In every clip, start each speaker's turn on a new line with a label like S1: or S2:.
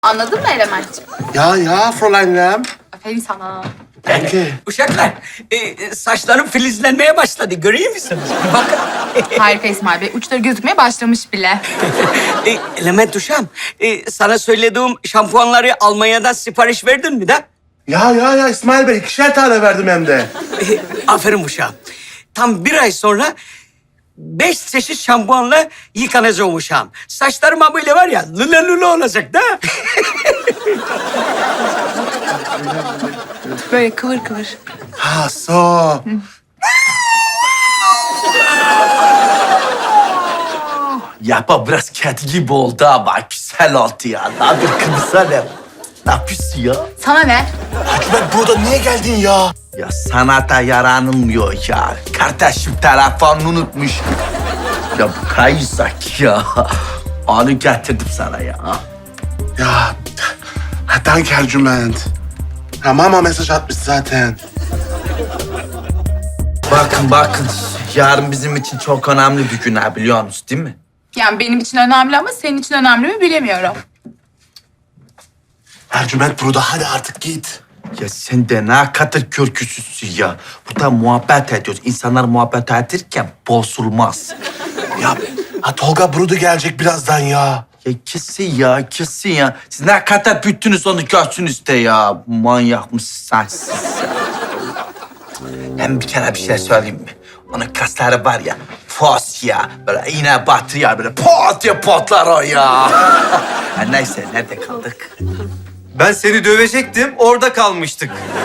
S1: Anladın mı Elementciğim?
S2: Ya Fräulein'im.
S1: Aferin sana.
S2: Danke.
S3: Uşaklar, saçlarım filizlenmeye başladı. Görüyor musunuz? Bir bakın.
S1: Harika İsmail Bey. Uçları gözükmeye başlamış bile.
S3: Element uşağım, sana söylediğim şampuanları Almanya'dan sipariş verdin mi de?
S2: Ya İsmail Bey 2'şer tane verdim hem de.
S3: Aferin uşağım. Tam bir ay sonra 5 çeşit şampuanla yıkanacağım uşağım. Saçlarıma böyle var ya, lüle lüle olacak da.
S1: Böyle kıvır kıvır.
S2: Ha so.
S4: Ya bak biraz kedi gibi oldu ama güzel oldu ya. Ne yapıyorsun kızım? Ne yapıyorsun ya?
S1: Sana ne?
S2: Hikmet burada niye geldin ya?
S4: Ya sanata yaranılmıyor ya. Kardeşim telefonunu unutmuş. Ya bu kayısak ya. Onu getirdim sana ya.
S2: Ya danke Ercüment. Ya mama mesaj atmış zaten.
S4: Bakın. Yarın bizim için çok önemli bir gün ha, biliyor musun değil mi?
S1: Yani benim için önemli ama senin için önemli mi bilemiyorum.
S2: Ercüment burada hadi artık git.
S4: Ya sen de ne kadar körküsüzsün ya. Burada muhabbet ediyoruz. İnsanlar muhabbet ederken bozulmaz.
S2: Ha Tolga Brudu gelecek birazdan ya.
S4: Ya kesin ya. Siz ne kadar büyüttünüz onu görsünüz de ya. Manyak mısın siz? Hem bir kere bir şey söyleyeyim mi? Onun kasları var ya, fos ya. Böyle iğne batırıyor, böyle pot diye patlar o ya. Ha, neyse, nerede kaldık?
S5: Ben seni dövecektim, orada kalmıştık.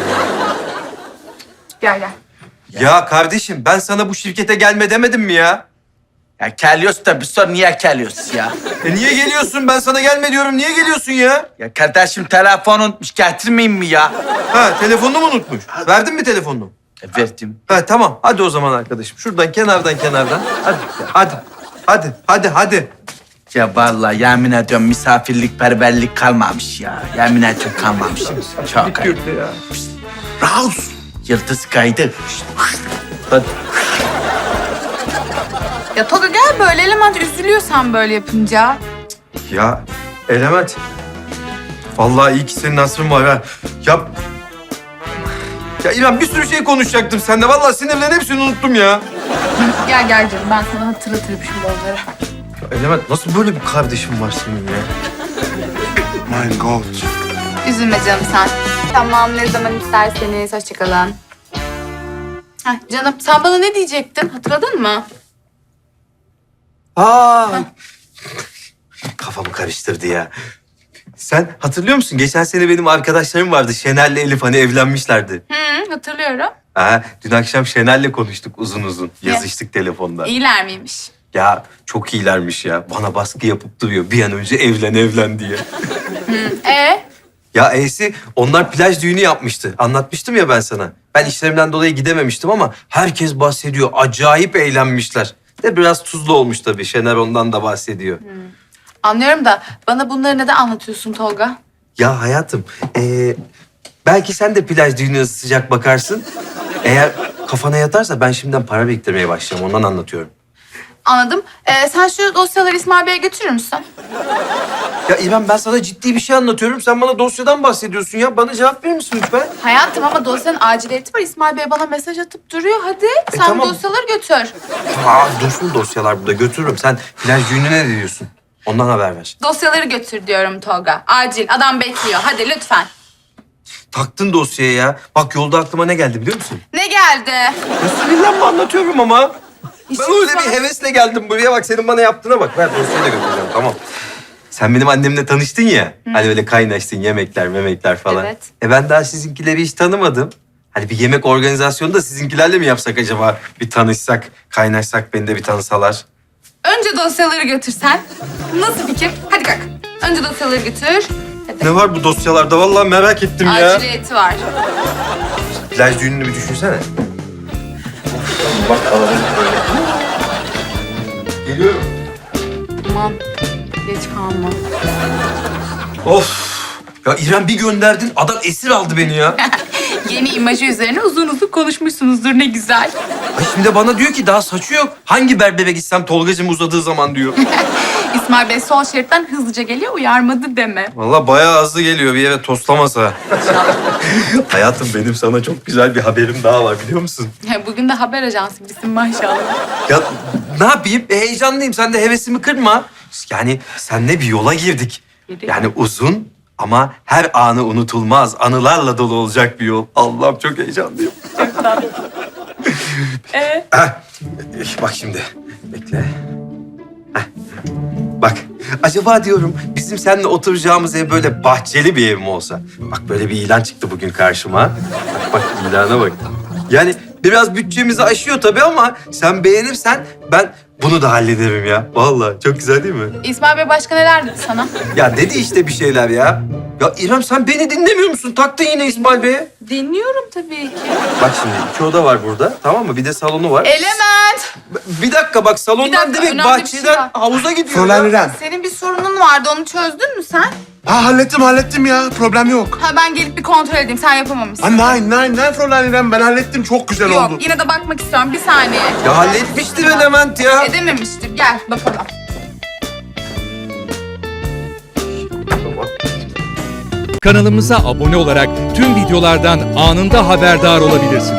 S1: Gel.
S5: Ya kardeşim, ben sana bu şirkete gelme demedim mi ya?
S4: Ya geliyorsun da bir sor niye geliyorsun ya?
S5: Niye geliyorsun? Ben sana gelme diyorum, niye geliyorsun ya?
S4: Ya kardeşim telefon unutmuş, getirmeyeyim mi ya?
S5: Ha, telefonunu mu unutmuş? Verdin mi telefonunu?
S4: Verdim.
S5: Ha, tamam. Hadi o zaman arkadaşım. Şuradan, kenardan. Hadi.
S4: Ya vallahi yemin ediyorum misafirlik, perverlik kalmamış ya. Yemin ediyorum kalmamış. Çok ayıp.
S5: ya.
S2: Raus.
S4: Yıldız kaydı. Hadi.
S1: Ya Tolga gel böyle Element üzülüyorsan böyle yapınca.
S5: Ya Element. Vallahi iyi ki senin asrın var ha. Ya İrem bir sürü şey konuşacaktım seninle. Vallahi sinirlen hepsini unuttum ya.
S1: Gel canım ben sana hatırlatırım şimdi onları.
S5: Ya Element nasıl böyle bir kardeşim var senin ya?
S2: Mein Gott.
S1: Üzülme canım sen. Tamam ne zaman isterseniz hoşçakalın. Heh, canım sen bana ne diyecektin hatırladın mı?
S5: Aa! Kafamı karıştırdı ya. Sen hatırlıyor musun? Geçen sene benim arkadaşlarım vardı. Şener'le Elif hani evlenmişlerdi.
S1: Hatırlıyorum.
S5: Dün akşam Şener'le konuştuk uzun. Yazıştık telefonda.
S1: İyiler miymiş?
S5: Ya çok iyilermiş ya. Bana baskı yapıp duruyor. Bir an önce evlen diye. Ya onlar plaj düğünü yapmıştı. Anlatmıştım ya ben sana. Ben işlerimden dolayı gidememiştim ama herkes bahsediyor. Acayip eğlenmişler. De biraz tuzlu olmuş tabii. Şener ondan da bahsediyor.
S1: Anlıyorum da bana bunları neden anlatıyorsun Tolga?
S5: Ya hayatım, belki sen de plaj düğününe sıcak bakarsın. Eğer kafana yatarsa ben şimdiden para biriktirmeye başlayacağım. Ondan anlatıyorum.
S1: Anladım. Sen şu dosyaları İsmail Bey'e götürür müsün?
S5: Ya İrem ben sana ciddi bir şey anlatıyorum. Sen bana dosyadan bahsediyorsun ya. Bana cevap verir misin lütfen?
S1: Hayatım ama dosyanın aciliyeti var. İsmail Bey bana mesaj atıp duruyor. Hadi sen
S5: tamam.
S1: dosyaları götür.
S5: Dursun dosyalar burada. Götürürüm. Sen plaj düğününe ne diyorsun? Ondan haber ver.
S1: Dosyaları götür diyorum Tolga. Acil. Adam bekliyor. Hadi lütfen.
S5: Taktın dosyaya ya. Bak yolda aklıma ne geldi biliyor musun?
S1: Ne geldi?
S5: Ya sinirlenme anlatıyorum ama.
S1: İşimiz
S5: Ben öyle
S1: var.
S5: bir hevesle geldim buraya. Bak senin bana yaptığına bak. Ver dosyayı da götüreceğim tamam. Sen benim annemle tanıştın ya. Hani böyle kaynaştın yemekler falan.
S1: Evet.
S5: Ben daha sizinkileri hiç tanımadım. Hani bir yemek organizasyonu da sizinkilerle mi yapsak acaba? Bir tanışsak, kaynaşsak beni de bir tanısalar.
S1: Önce dosyaları götürsen. Nasıl fikir? Hadi kalk. Önce dosyaları götür. Hadi.
S5: Ne var bu dosyalarda? Vallahi merak ettim ya.
S1: Aciliyeti var.
S5: Plaj düğününü bir düşünsene. Bak alalım böyle. Geliyorum.
S1: Aman geç kalma.
S5: Of. Ya İrem bir gönderdin, adam esir aldı beni ya.
S1: Yeni imajı üzerine uzun konuşmuşsunuzdur ne güzel.
S5: Ay şimdi bana diyor ki daha saçı yok. Hangi berbere gitsem Tolgacığım uzadığı zaman diyor.
S1: İsmail Bey sol şeritten hızlıca geliyor, uyarmadı deme.
S5: Vallahi bayağı hızlı geliyor bir yere toslamasa. Hayatım benim sana çok güzel bir haberim daha var biliyor musun?
S1: Bugün de haber ajansı gibisin maşallah.
S5: Ya ne yapayım? Heyecanlıyım. Sen de hevesimi kırma. Yani seninle bir yola girdik.
S1: Girdik.
S5: Yani uzun ama her anı unutulmaz, anılarla dolu olacak bir yol. Allah'ım çok heyecanlıyım.
S1: Çok tatlı.
S5: Heh, bak şimdi. Bekle. Heh. Bak. Acaba diyorum bizim seninle oturacağımız ev böyle bahçeli bir ev mi olsa? Bak böyle bir ilan çıktı bugün karşıma. Bak ilana bak. Yani biraz bütçemizi aşıyor tabii ama sen beğenirsen ben bunu da hallederim ya. Vallahi çok güzel değil mi?
S1: İsmail Bey başka neler dedi sana?
S5: Ya dedi işte bir şeyler ya. Ya İrem sen beni dinlemiyor musun? Taktın yine İsmail Bey'e.
S1: Dinliyorum tabii ki.
S5: Bak şimdi 2 oda var burada tamam mı? Bir de salonu var.
S1: Element!
S5: Bir dakika bak salondan
S1: Bir dakika,
S5: direkt
S1: önemli bir şey
S5: bahçeden
S1: var.
S5: havuza gidiyor
S2: Fräulein
S5: ya.
S2: İrem.
S1: Senin bir sorunun vardı, onu çözdün mü sen?
S2: Ha hallettim ya. Problem yok.
S1: Ha ben gelip bir kontrol edeyim, sen yapamamışsın.
S2: Ha nein Fräulein İrem. Ben hallettim. Çok güzel
S1: Yok,
S2: oldu.
S1: yine de bakmak istiyorum. Bir saniye.
S5: Ya halletmiştir Element ya.
S1: Edememiştir. Gel bakalım.
S6: Kanalımıza abone olarak tüm videolardan anında haberdar olabilirsiniz.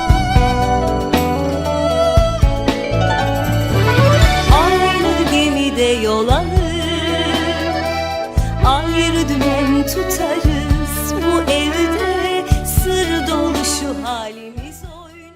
S7: Aynı gemide yol alır, ayrı dümen tutarız. Bu evde sır dolu şu halimiz.